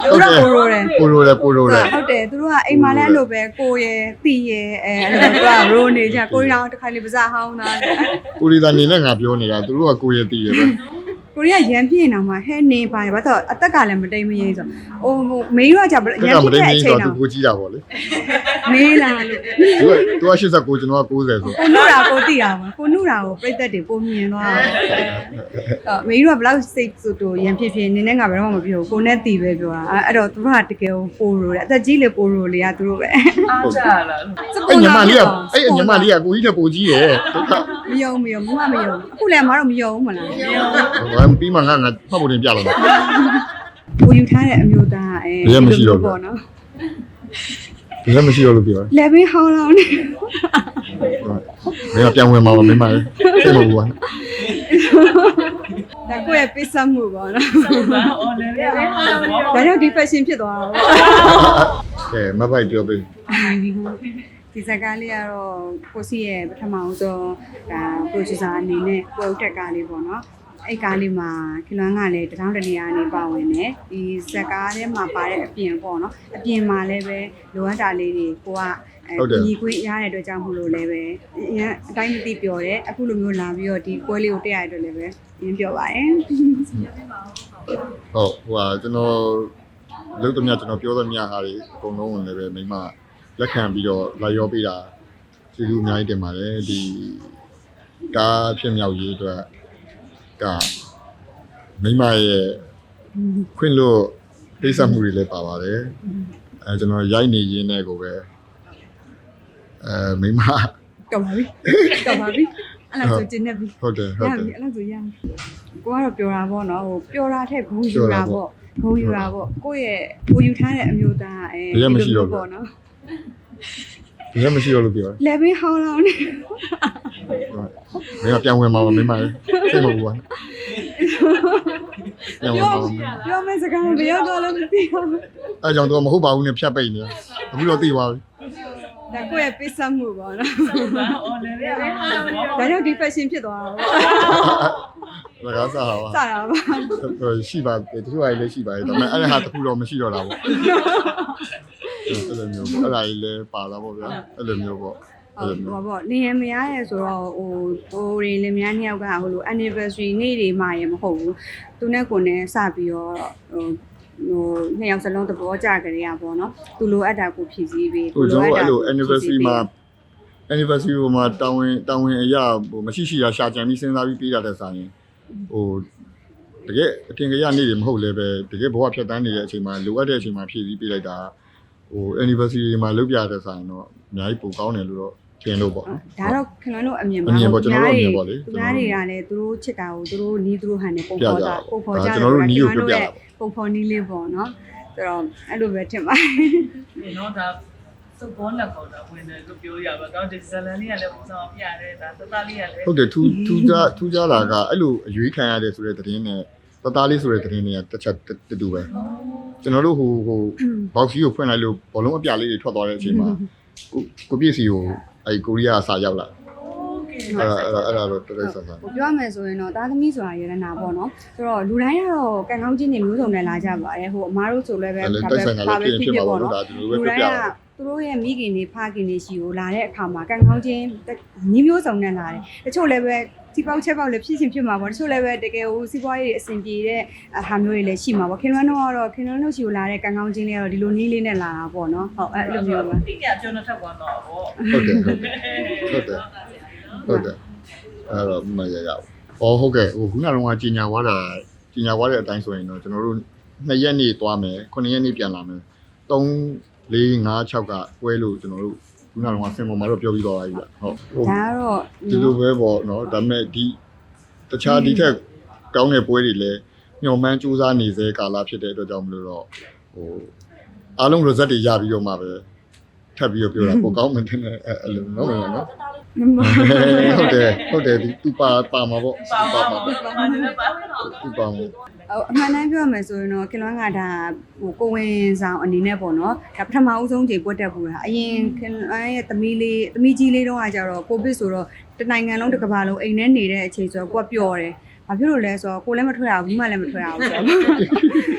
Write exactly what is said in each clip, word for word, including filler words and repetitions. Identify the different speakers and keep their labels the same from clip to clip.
Speaker 1: တို့ကပိုရိုတယ်
Speaker 2: ပိုရိုတယ်ပိုရိုတယ်
Speaker 1: ဟုတ်တယ်သူတို့ကအိမ်မှာလည်းအဲ့လိုပဲကိုရယ်တီရယ်အဲအဲ့လိုသူကရိုးနေကြကိုရီးယားတစ်ခါလေးပါးစားဟောင်းတာ
Speaker 2: ကိုရီးယားနေနဲ့ငါပြောနေတာသူတို့ကကိုရတီရပဲ
Speaker 1: ကိုရီးယားရန်ပြင်းနေမှာဟဲနေပါဘာလို့အသက်ကလည်းမတိမ်မရေးဆိုဟိုမေးရကြရန်ပြင်းတဲ့အချိန်
Speaker 2: သူ
Speaker 1: တော့
Speaker 2: ကိုကြီးတာပေါ့လေ
Speaker 1: မေးလာလို့
Speaker 2: သူကသူကeighty-nineကျွန်တော်ကninetyဆို
Speaker 1: ကိုနုရာကိုတိတာပါကိုနုရာကိုပြိသက်တွေပုံမြင်သွားတာအဲ့မေးရဘလောက်စိတ်ဆိုတော့ရန်ဖြစ်ဖြစ်နင်းနဲ့ငါဘယ်တော့မှမပြောကိုနဲ့တီပဲပြောတာအဲ့တော့သူတို့ကတကယ်ပိုရိုတယ်အသက်ကြီးလေပိုရိုလေကသူတို့ပဲ
Speaker 3: အားကြလား
Speaker 2: အဲ့ညီမလေးကအဲ့ညီမလေးကကိုကြီးတဲ့ပိုကြီးရယ်ဒုက္ခ
Speaker 1: မယုံမယုံမမမယုံအခုလည်းမတော့မယုံဘူးမလား
Speaker 2: ဘာပြီးမှငါငါဖတ်ဖို့တင်ပြလာတယ်
Speaker 1: ကိုယူထားတဲ့အမျိုးသားအဲပေါ့နော်
Speaker 2: ဒီလည်းမရှိတော့လို့ပြောတယ်
Speaker 1: လေဘင်းဟောင်းလောင်းနေ
Speaker 2: မင်းကပြန်ဝင်มาပါမင်းမလေးသိမဟုတ်ဘူးကွာ
Speaker 1: ဒါကိုယ့်ရဲ့ပိတ်ဆက်မှုပေါ့နော်
Speaker 3: ဘာအော်လည်းလည်းဟာ
Speaker 1: ဒါကြောင့်ဒီ fashion ဖြစ်သွားတာပေါ့
Speaker 2: ကဲမပိုက်ပြောပေး
Speaker 1: ဒီစကားလေးကတော့ကိုစီရဲ့ပထမဦးဆုံးဒါ producer အနေနဲ့ကိုယ်ဥတက်ကားလေးပေါ့နော်အဲ့ကားလေးမှာခလွမ်းကလည်းတထောင်တနေရာနေပါဝင်တယ်ဒီစကားထဲမှာပါတဲ့အပြင်ပေါ့နော်အပြင်မှာလည်းပဲလိုအပ်တာလေးတွေကိုကညီခွင့်ရတဲ့အတွက်ကြောင့်မို့လို့လည်းပဲအရင်အတိုင်းမသိပြောတယ်အခုလိုမျိုးလာပြီးတော့ဒီပွဲလေးကိုတက်ရတဲ့အတွက်လည်းပဲရင်းပြောပါတယ်
Speaker 2: ဟုတ်ဟိုဟာကျွန်တော်လုံးသမျှကျွန်တော်ပြောသမျှဟာတွေအကုန်လုံးဝင်လည်းပဲမိမလက်ခံပြီးတော့လာရောပေးတာကျေးဇူးအများကြီးတင်ပါတယ်ဒီကားဖြစ်မြောက်ရေးအတွက်ကမိမရဲ့ခွင့်လို့ပိတ်ဆက်မှုတွေလည်းပါပါတယ်အဲကျွန်တော်ရိုက်နေရင်းနဲ့ကိုပဲအဲမိမ
Speaker 1: ကပါပြီကပါပြီအဲ့လိုဆိုကျင်းနေပြီ
Speaker 2: ဟုတ်တယ်ဟုတ်တယ်
Speaker 1: အဲ့လိုဆိုရကိုကတော့ပြောတာပေါ့နော်ဟိုပြောတာထက်ဂုံယူတာပေါ့ဂုံယူတာပေါ့ကိုယ့်ရဲ့ကိုယူထားတဲ့အမျိုးသားအဲပေါ့နော်
Speaker 2: ဒီလည်းမရှိတော့လို့ပြောတယ်
Speaker 1: လေဘင်းဟောင်းလောင်းနေ
Speaker 2: မင်းကပြန်ဝင်มาပါမင်းမလေးသိမဟုတ်ဘူးကွာပြန်ဝင်มาပါ
Speaker 1: ပြောမယ့်စကားဘယ်ရောက်တော့လဲမသိဘူး
Speaker 2: အဲကြောင့်တော့မဟုတ်ပါဘူးနဲ့ဖြတ်ပိတ်နေအခုတော့သိသွားပြီ
Speaker 1: ဒါကိုယ့်ရဲ့ပိတ်ဆက်မှုပေါ့နော်
Speaker 3: ဘာအော်လည်းလည်းဟာ
Speaker 1: ဒါကြောင့်ဒီ fashion ဖြစ်သွားတာ
Speaker 2: ပေါ့ဒါကစားပါ
Speaker 1: စတာပါ
Speaker 2: ရှိပါတယ်တချို့အရေးလည်းရှိပါတယ်ဒါပေမဲ့အဲ့ဒါဟာတခုတော့မရှိတော့တာပေါ့အဲ့လိုမျိုးအဲ့ဒါကြီးလည်းပါလာပေါ့ဗျာအဲ့လိုမျိုးပေါ့
Speaker 1: ဟုတ်ပါပေါ့လင်ရမရရဲဆိုတော့ဟိုဟိုတွေလင်မယားနှစ်ယောက်ကဟိုလို anniversary နေ့တွေမှရမဟုတ်ဘူးသူနဲ့ကိုနဲ့စပြီးတော့ဟိုဟိုနှစ်ယောက်စလုံးသဘောကျကြရပါတော့သူလိုအပ်တာကိုဖြည့်ဆည်းပြီး
Speaker 2: ဟိုကျွန်တော်အဲ့လို anniversary မှာ anniversary မှာတောင်းဝင်တောင်းဝင်အရာဟိုမရှိရှိတာရှာကြံပြီးစဉ်းစားပြီးပေးတာတဲ့ဆိုင်ရင်ဟိုတကယ်အထင်ကြီးနေ့တွေမဟုတ်လည်းပဲတကယ်ဘဝဖြတ်တန်းနေတဲ့အချိန်မှာလိုအပ်တဲ့အချိန်မှာဖြည့်ဆည်းပေးလိုက်တာဟို anniversary မှာလုပ်ပြတဲ့ဆိုင်တော့အများကြီးပိုကောင်းတယ်လို့တော့ထင်လို့ပေါ့နော်
Speaker 1: ဒါတော့ခင်ဗျားတို့အမြင်ပါ
Speaker 2: အမြင်ပေါ့ကျွန်တော်တို့အမြင်ပေါ့လေ
Speaker 1: သူများတွေကလည်းသူတို့ချစ်တာကိုသူတို့နီးသူတို့ဟန်နေပုံ
Speaker 2: ပြ
Speaker 1: ဖော်
Speaker 2: ကြ
Speaker 1: တာပုံဖော်ကြ
Speaker 2: ကျွန်တော်တို့နီးကိုပြပြတာပေါ့
Speaker 1: ပုံဖော်နီးလေးပေါ့နော်ဆိုတော့အဲ့လိုပဲထင်ပါတယ်
Speaker 3: နော်ဒါစုပ်ပေါ်လက်ပေါ်တာဝင်တယ်လို့ပြောရပါတော့ဒီဇလန်လေးကလည်းပုံစံပြရတယ်ဒါသသားလေးကလည်း
Speaker 2: ဟုတ်တယ်ထူးထူးခြားထူးခြားတာကအဲ့လိုအရွေးခံရတယ်ဆိုတဲ့သတင်းနဲ့တသားလေးဆိုတဲ့သတင်းတွေကတစ်ချက်တူတူပဲကျွန်တော်တို့ဟိုဟိုဘောက်စီကိုဖွင့်လိုက်လို့ဘောလုံးအပြလေးတွေထွက်သွားတဲ့အချိန်မှာကိုကိုပြည့်စီကိုအဲ့ကိုရီးယားအစာရောက်လာအဲ့ဒါအဲ့ဒါတော့တော်တော်ဆန်းဆန်း
Speaker 1: ဟိုပြောရမယ်ဆိုရင်တော့သားသမီးဆိုတာရတနာပေါ့နော်ဆိုတော့လူတိုင်းကတော့ကံကောင်းခြင်းတွေမျိုးစုံနဲ့လာကြပါတယ်ဟိုအမားတို့ဆိုလည်းပဲဒါပဲပါပဲဖြစ်ဖြစ်ပေါ့နော်လူတိုင်းကသူတို့ရဲ့မိခင်တွေဖခင်တွေရှိကိုလာတဲ့အခါမှာကံကောင်းခြင်းညီမျိုးစုံနဲ့လာတယ်တချို့လည်းပဲစီပေါက်ချက်ပေါက်လည်းဖြစ်ချင်းဖြစ်မှာပေါ့တချို့လည်းပဲတကယ်ဟိုစီးပွားရေးအဆင်ပြေတဲ့ဟာမျိုးတွေလည်းရှိမှာပေါ့ခင်ဗျားတို့ကတော့ခင်ဗျားတို့ရှိကိုလာတဲ့ကံကောင်းခြင်းတွေကတော့ဒီလိုနီးလေးနဲ့လာတာပေါ့နော်ဟုတ်အဲ့လိုမျိုးပါ
Speaker 3: တိကျကျွန်တော်ထပ်သွားတော့ဗော
Speaker 2: ဟုတ်တယ်ဟုတ်တယ်ဟုတ်တယ်ဟုတ်တယ်အဲ့တော့မရရဘူးဩဟုတ်ကဲ့ဟိုခုနကတော့ကြီးညာသွားတာကြီးညာသွားတဲ့အတိုင်းဆိုရင်တော့ကျွန်တော်တို့နှစ်ရက်နေသွားမယ်ခုနှစ်ရက်နေပြန်လာမယ်သုံးလေးငါးခြောက်ကပွဲလို့ကျွန်တော်တို့ခုနကတော့ဆင်ပေါ်မှာတော့ပြောပြီးသွားပါပြီဗျဟုတ်ဟုတ်
Speaker 1: ဒါကတော့
Speaker 2: ဒီလိုပဲပေါ့နော်ဒါပေမဲ့ဒီတခြားဒီထက်ကောင်းတဲ့ပွဲတွေလည်းညှော်မှန်းစူးစမ်းနေစေကာလဖြစ်တဲ့အတွက်ကြောင့်မလို့တော့ဟိုအားလုံး result တွေရပြီးတော့မှပဲထပ်ပြီးတော့ပြောတာပိုကောင်းမှတင်တယ်အဲ့လိုနော်နော်နော်ဟုတ်တယ်ဟုတ်တယ်ဒီသူပါပါမှာပေါ့
Speaker 3: ပါ
Speaker 2: ပါ
Speaker 3: ပါ
Speaker 2: မှာ
Speaker 3: ပါပါနေပါ
Speaker 2: သူပါမှာ
Speaker 1: ဟိုအမှန်တမ်းပြောရမယ်ဆိုရင်တော့ခင်လွမ်းကဒါဟိုကိုဝင်ဆောင်အနေနဲ့ပေါ့နော်ဒါပထမဦးဆုံးချိန်ပွက်တက်ပူတာအရင်ခင်လွမ်းရဲ့သမီးလေးသမီးကြီးလေးတုန်းကကြတော့ကိုဗစ်ဆိုတော့တနိုင်ငံလုံးတစ်ကမ္ဘာလုံးအိမ်ထဲနေတဲ့အချိန်ဆိုတော့ကိုကပျော်တယ်ဘာဖြစ်လို့လဲဆိုတော့ကိုလည်းမထွက်ရဘူးမိမလည်းမထွက်ရဘူးဆိုတော့အခု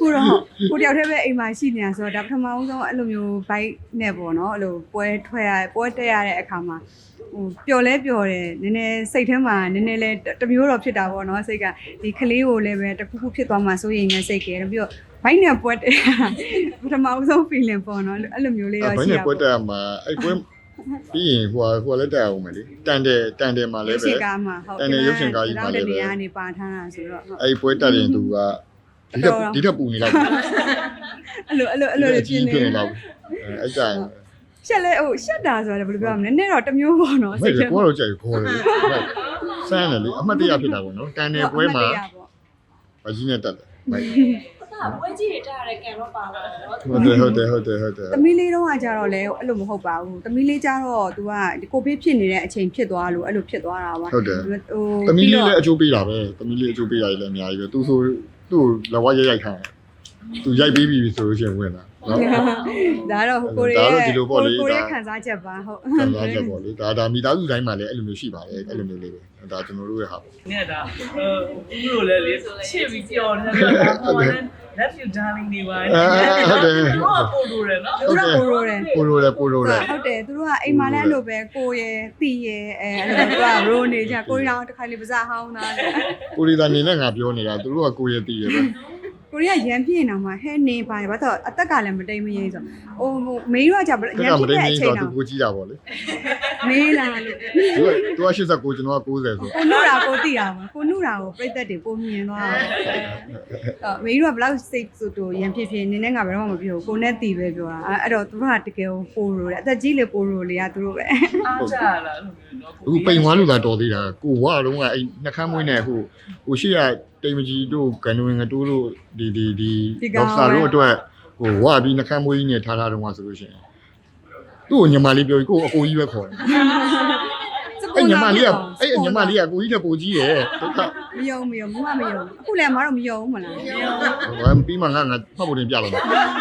Speaker 1: ခုတော့ကိုတယောက်တည်းပဲအိမ်မှာရှိနေတာဆိုတော့ဒါပထမဆုံးအဲ့လိုမျိုး bike နဲ့ပေါ့နော်အဲ့လိုပွဲထွက်ရပွဲတက်ရတဲ့အခါမှာဟိုပျော်လဲပျော်တယ်နည်းနည်းစိတ်ထဲမှာနည်းနည်းလဲတမျိုးတော့ဖြစ်တာပေါ့နော်စိတ်ကဒီကလေးကိုလည်းပဲတခုခုဖြစ်သွားမှစိုးရိမ်နေစိတ်ကဲပြီးတော့ bike နဲ့ပွဲတက်ပထမဆုံး feeling ပေါ့နော်အဲ့လိုမျိုးလေးတော့ရှိရပါ
Speaker 2: bike နဲ့ပွဲတက်မှာအဲ့ပွဲပြီးရင်ဟိုဟိုလည်းတက်အောင်မယ်လေတန်တယ်တန်တယ်မှာလည်းပဲ
Speaker 1: ရုပ်ရှင်ကားမှာဟုတ်
Speaker 2: တန်တယ်ရုပ်ရှင်ကားကြီးမှာလည်းပဲ
Speaker 1: နေရာနေပါထားတာဆိုတော့ဟုတ်
Speaker 2: အဲ့ပွဲတက်ရင်သူကဒီတက်ဒီတက်ပူနေတော့
Speaker 1: အဲ့လိုအဲ့လိုအဲ့လိုဖြစ်နေ
Speaker 2: နေတော့အဲ့ကြရင်
Speaker 1: ရှက်လဲဟိုရှက်တာဆိုတာဘယ်လိုပြောရမလဲနည်းနည်းတော့တမျိုးပေါ့နော်
Speaker 2: စိတ်ထဲကိုတော့ကြိုက်ခေါ်တယ်ဆန်းတယ်လေအမှတ်တရဖြစ်တာပေါ့နော်တန်တယ်ပွဲမှာဘာကြီးနဲ့တက်တယ်ဘိုက်
Speaker 4: ပွဲကြီးတွေတက်ရတဲ့ကံတော့ပါလာတယ်နော်
Speaker 2: ဟုတ်တယ်ဟုတ်တယ်ဟုတ်တယ်ဟုတ်တယ်
Speaker 1: သမီးလေးတော့ကကြတော့လေအဲ့လိုမဟုတ်ပါဘူးသမီးလေးကြတော့ तू ကကိုဗစ်ဖြစ်နေတဲ့အချိန်ဖြစ်သွားလို့အဲ့လိုဖြစ်သွားတာပါ
Speaker 2: ဟုတ်တယ်
Speaker 1: ဟို
Speaker 2: သမီးလေးလည်းအကျိုးပေးတာပဲသမီးလေးအကျိုးပေးတာလည်းအများကြီးပဲသူဆိုသူ့လဝရိုက်ရိုက်ခံသူရိုက်ပြီးပြီဆိုလို့ရှိရင်ဝင်လာနော်
Speaker 1: ဒါတော့ကိုရီးယားကိုရီးယားခံစားချက်ပါဟုတ်
Speaker 2: ခံစားချက်ပေါ့လေဒါဒါမိသားစုတိုင်းမှာလည်းအဲ့လိုမျိုးရှိပါတယ်အဲ့လိုမျိုးလေးပဲဒါကျွန်တော်တို့ရဲ့ဟာပေါ့
Speaker 3: ။နေတာဟိုဦးလိုလည်းလေချစ်ပြီးပြောနေတာဟိုလည်း love you darling ဒီဝိုင်းဟုတ်တယ်ဟုတ်ပို့လို့ရနော်
Speaker 1: သူကကိုရိုတယ်
Speaker 2: ပိုလိုတယ်ပိုလိုတယ်
Speaker 1: ဟုတ်တယ်သူတို့ကအိမ်မှာလည်းအဲ့လိုပဲကိုရယ်တီရယ်အဲအဲ့လိုသူကရိုးနေကြကိုရီးယားတစ်ခါလေးပါးစဟောင်းသားတယ်
Speaker 2: ကိုရီးယားနေနဲ့ငါပြောနေတာသူတို့ကကိုရတီးရပဲ
Speaker 1: ကိုရီးယားရန်ပြင်းနေမှာဟဲနေပါဘာတော့အသက်ကလည်းမတိမ်မရင်းဆိုဟိုမေးရကြရန်ပြင်းတဲ့အချိန်
Speaker 2: သူ
Speaker 1: တော့
Speaker 2: ကိုကြီးတာပေါ့လေ
Speaker 1: မေးလာလို့
Speaker 2: သူကသူကeighty-nineကျွန်တော်ကninetyဆို
Speaker 1: ကိုနုရာကိုတိတာပါကိုနုရာကိုပြိသက်တွေပုံမြင်သွားတာအဲ့မေးရဘလောက်စိတ်ဆိုတော့ရန်ဖြစ်ဖြစ်နင်းနဲ့ငါဘယ်တော့မှမပြောကိုနဲ့တီပဲပြောတာအဲ့တော့သူကတကယ်ပိုရိုတယ်အသက်ကြီးလေပိုရိုလေကသူတို့ပဲ
Speaker 3: အားကြလားလို့နော်
Speaker 2: အခုပိန်ဝါလို့သာတော်သေးတာကိုဝါတော့ကအဲ့နှခမ်းမွေးနဲ့ဟိုဟိုရှိရတိမ်မကြီးတို့ကန်ဝင်ငတိုးတို့ဒီဒီဒီဒေါက်တာတို့အတွက်ဟိုဝါပြီးနှခမ်းမွေးကြီးနဲ့ထားထားတော့မှဆိုလို့ရှိရင်သူ့ကိုညီမလေးပြောပြီးကိုအကိုကြီးပဲခေါ်တယ်အဲ့ညီမလေးကအဲ့ညီမလေးကကိုကြီးတဲ့ပိုကြီးရဲ့ဒုက္ခ
Speaker 1: မယုံမယုံမမမယုံအခုလည်းမတော့မယုံဘူးမလား
Speaker 2: ဟိုပြီးမှငါငါဖတ်ဖို့တင်ပြလို့ဟော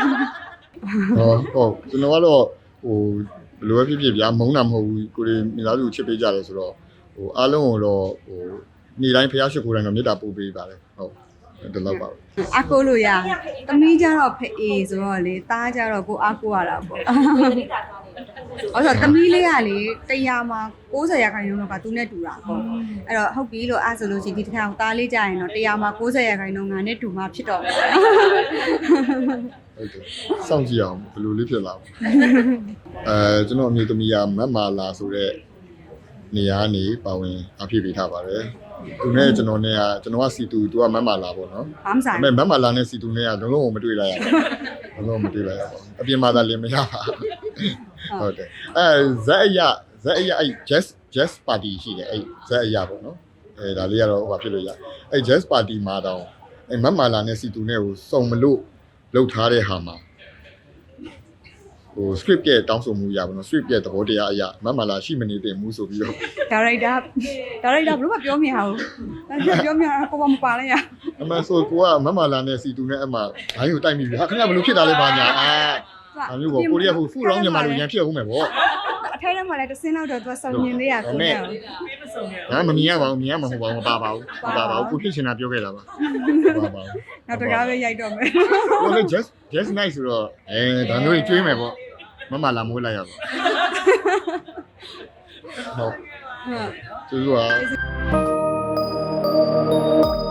Speaker 2: ဟုတ်ကျွန်တော်ကတော့ဟိုဘယ်လိုပဲဖြစ်ဖြစ်ဗျာမုန်းတာမဟုတ်ဘူးကိုရီမိသားစုချစ်ပေးကြတယ်ဆိုတော့ဟိုအားလုံးကိုတော့ဟိုနေ့တိုင်းဖျားရှိခိုးတိုင်းတော့မေတ္တာပို့ပေးပါတယ်ဟုတ်ဒီလောက်ပါပဲ
Speaker 1: အကိုလို့ရသမီးကြတော့ဖေအေဆိုတော့လေသားကြတော့ကိုအကိုရတာပေါ့အဲ့တော့သမီးလေးကလေတရားမှာninetyရာခိုင်နှုန်းလောက်ကသူနဲ့တူတာပေါ့အဲ့တော့ဟုတ်ပြီလို့အဲ့ဆိုလို့ရှိရင်ဒီတစ်ခါသားလေးကြရင်တော့တရားမှာninetyရာခိုင်နှုန်းငါနဲ့တူမှဖြစ်တော့မယ်
Speaker 2: ဟုတ်တယ်စောင့်ကြည့်အောင်ဘယ်လိုလေးဖြစ်လာမလဲအဲကျွန်တော်အမျိုးသမီးကမတ်မာလာဆိုတဲ့နေရာကနေပါဝင်အဖြစ်ပေးထားပါတယ်သူနဲ့ကျွန်တော်နဲ့ကကျွန်တော်ကစီတူသူကမတ်မာလာပေါ့နော်
Speaker 1: ဘာမှဆိုင်
Speaker 2: ဒါပေမဲ့မတ်မာလာနဲ့စီတူနဲ့ကလုံးလုံးမတွေ့လိုက်ရဘူးလုံးလုံးမတွေ့လိုက်ရပါဘူးအပြင်မှာသာလင်းမရပါဟုတ်တယ်အဲဇက်အရဇက်အရအဲ့ jazz jazz party ရှိတယ်အဲ့ဇက်အရပေါ့နော်အဲဒါလေးကတော့ဟိုဘာဖြစ်လို့ရအဲ့ jazz party မှာတော့အဲ့မတ်မာလာနဲ့စီတူနဲ့ကိုစုံမလို့လှုပ်ထားတဲ့ဟာမှာဟို script ရဲ့တောင်းဆိုမှုရပါတော့ script ရဲ့သဘောတရားအရမတ်မာလာရှိမနေတင်မှုဆိုပြီးတော့
Speaker 1: ဒါရိုက်တာဒါရိုက်တာဘယ်လိုမှပြောမရဘူးဒါပြောမရကိုကမပါလဲရ
Speaker 2: အမှန်ဆိုကိုကမတ်မာလာနဲ့စီတူနဲ့အမှဘိုင်းကိုတိုက်မိပြီဟာခဏဘယ်လိုဖြစ်တာလဲဘာညာအာအမျိုးပေါ့ကိုရီးယားဟိုဖူရောင်းမြန်မာလိုရန်ဖြစ်အောင်မယ်ပေါ့
Speaker 1: အထဲထဲမှာလည်းတစ်စင်းလောက်တော့သူကစုံမြင်သေးရကိုနဲ့
Speaker 3: ပေးမစုံရ
Speaker 2: ငါမမြင်ရပါဘူးမြင်ရမှာမဟုတ်ပါဘူးမပါပါဘူးမပါပါဘူးကိုဖြစ်ချင်တာပြောခဲ့တာပါမပါပါဘူး
Speaker 1: နောက်တကားပဲရိုက်တော့မယ်
Speaker 2: ဟိုလေ just just nice ဆိုတော့အဲဒါမျိုးကြီးကျွေးမယ်ပေါ့မမလာမိုးလိုက်ရပါဟုတ်
Speaker 1: ဟုတ်
Speaker 2: ကျေးဇူးပါ